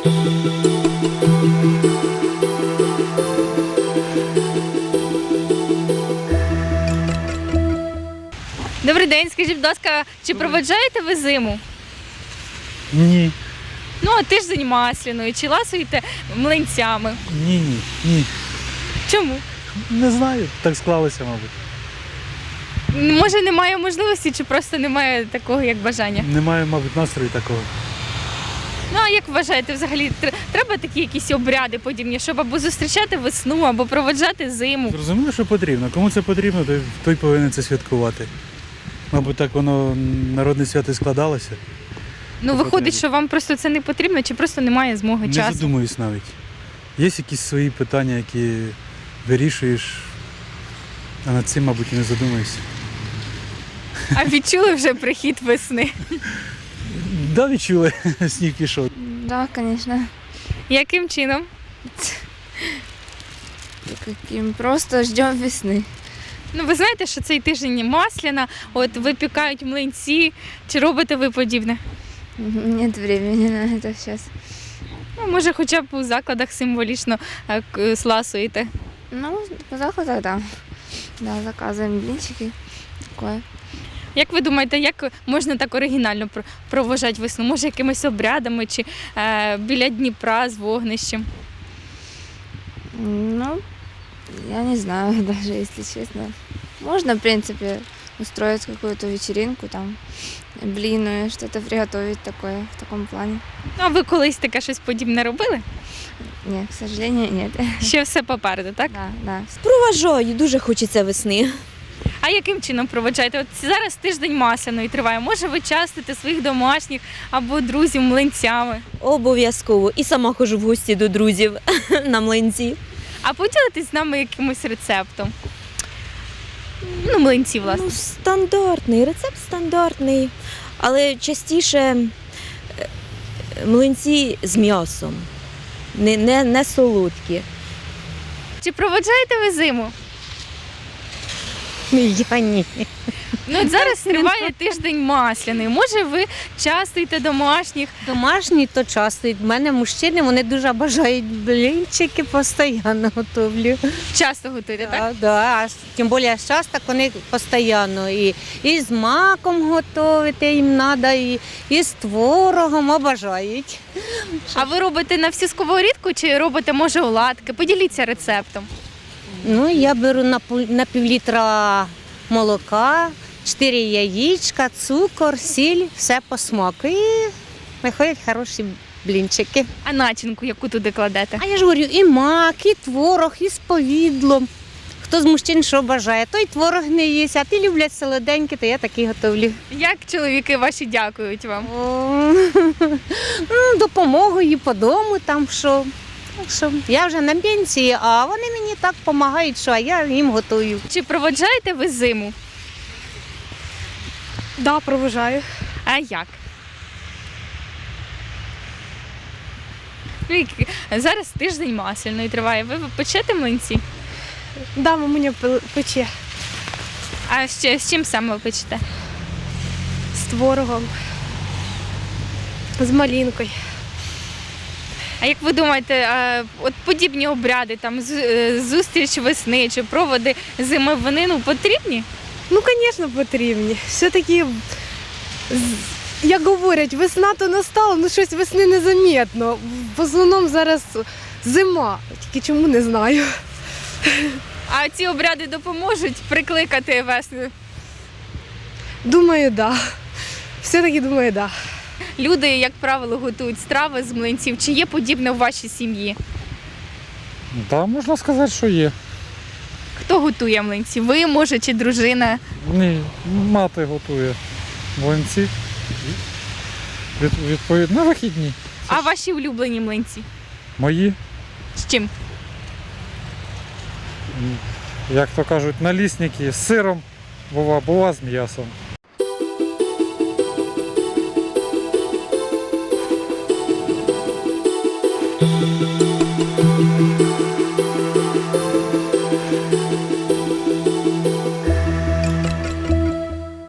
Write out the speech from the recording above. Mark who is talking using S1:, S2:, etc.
S1: Добрий день, скажіть, будь ласка, чи проведжаєте ви зиму?
S2: Ні.
S1: Ну, а тиждень масляної, чи ласуєте млинцями?
S2: Ні.
S1: Чому?
S2: Не знаю, так склалося, мабуть.
S1: Може, немає можливості, чи просто немає такого, як бажання?
S2: Немає, мабуть, настрою такого.
S1: Ну, а як вважаєте, взагалі, треба такі якісь обряди подібні, щоб або зустрічати весну, або проведжати зиму?
S2: Зрозуміло, що потрібно. Кому це потрібно, той повинен це святкувати. Мабуть, так воно народне свято і складалося.
S1: Ну, виходить, що вам просто це не потрібно, чи просто немає змоги,
S2: Не
S1: часу?
S2: задумуюсь навіть. Є якісь свої питання, які вирішуєш, а над цим, мабуть, і не задумуєшся.
S1: А відчули вже прихід весни?
S2: Да, відчули, сніг пішов.
S3: Да, конечно.
S1: Яким чином?
S3: Каким? Просто ждем весны.
S1: Ну, ви знаєте, що цей тиждень масляна, от випікають млинці, чи робите ви подібне?
S3: Нет времени на это сейчас.
S1: Ну, може, хоча б у закладах символічно сласуєте.
S3: Ну, по заходу, да. Да, заказываем блинчики. Такое.
S1: Як ви думаєте, як можна так оригінально проважати весну? Може, якимись обрядами чи біля Дніпра з вогнищем?
S3: Ну, я не знаю даже, если честно. Можно, в принципе, устроить какую-то вечеринку, там, блины, что-то приготовить такое, в таком плане.
S1: Ну, а ви колись таке щось подібне робили?
S3: Нет, к сожалению, нет.
S1: Ще все попереду, так?
S3: Да, да.
S4: Проважаю, дуже хочеться весни.
S1: А яким чином проведжаєте? От зараз тиждень масляної триває. Може, ви частите своїх домашніх або друзів млинцями?
S4: Обов'язково. І сама ходжу в гості до друзів на млинці.
S1: А поділитесь з нами якимось рецептом? Ну, млинці, власне.
S4: Ну, стандартний, рецепт стандартний. Але частіше млинці з м'ясом, не солодкі.
S1: Чи проведжаєте ви зиму?
S4: Я ні.
S1: Ну, от зараз триває тиждень масляний. Може, ви частуєте домашніх?
S5: Домашні то часто. У мене мужчини, вони дуже бажають блінчики, постійно готовлю.
S1: Часто готуєте, так?
S5: Да. Тим більше зараз так вони постійно. І з маком готувати їм треба, і з творогом обожають.
S1: А ви робите на всю сковорідку чи робите, може, оладки? Поділіться рецептом.
S5: Ну, я беру на півлітра молока, 4 яєчка, цукор, сіль, все по смаку. І виходять хороші блінчики.
S1: А начинку яку туди кладете?
S5: А я ж говорю, і мак, і творог, і з повідлом. Хто з мужчин що бажає, той творог не їсть, а ті люблять солоденькі, то я такі готовлю.
S1: Як чоловіки ваші дякують вам?
S5: Допомогою по дому там що. Так що я вже на пенсії, а вони мені так допомагають, що я їм готую.
S1: Чи проведжаєте ви зиму?
S6: Да, проважаю.
S1: А як? Ну, зараз тиждень масляної триває. Ви печете млинці?
S6: Да, мамуня пече
S1: А ще з чим саме ви печете?
S6: з творогом, з малинкою.
S1: А як ви думаєте, от подібні обряди, там зустріч весни чи проводи зими в Нину потрібні?
S6: Ну, звісно, потрібні. Все-таки, як говорять, весна то настала, ну щось весни незамітно. В основному зараз зима, тільки чому не знаю.
S1: А ці обряди допоможуть прикликати весну?
S6: Думаю, да. Все-таки думаю, да.
S1: Люди, як правило, готують страви з млинців. Чи є подібне в вашій сім'ї?
S2: Так, можна сказати, що є.
S1: Хто готує млинці? Ви, може, чи дружина?
S2: Ні, мати готує млинці. Відповідно, на вихідні.
S1: А ваші улюблені млинці?
S2: Мої,
S1: З чим?
S2: як то кажуть, налісники з сиром, бува з м'ясом.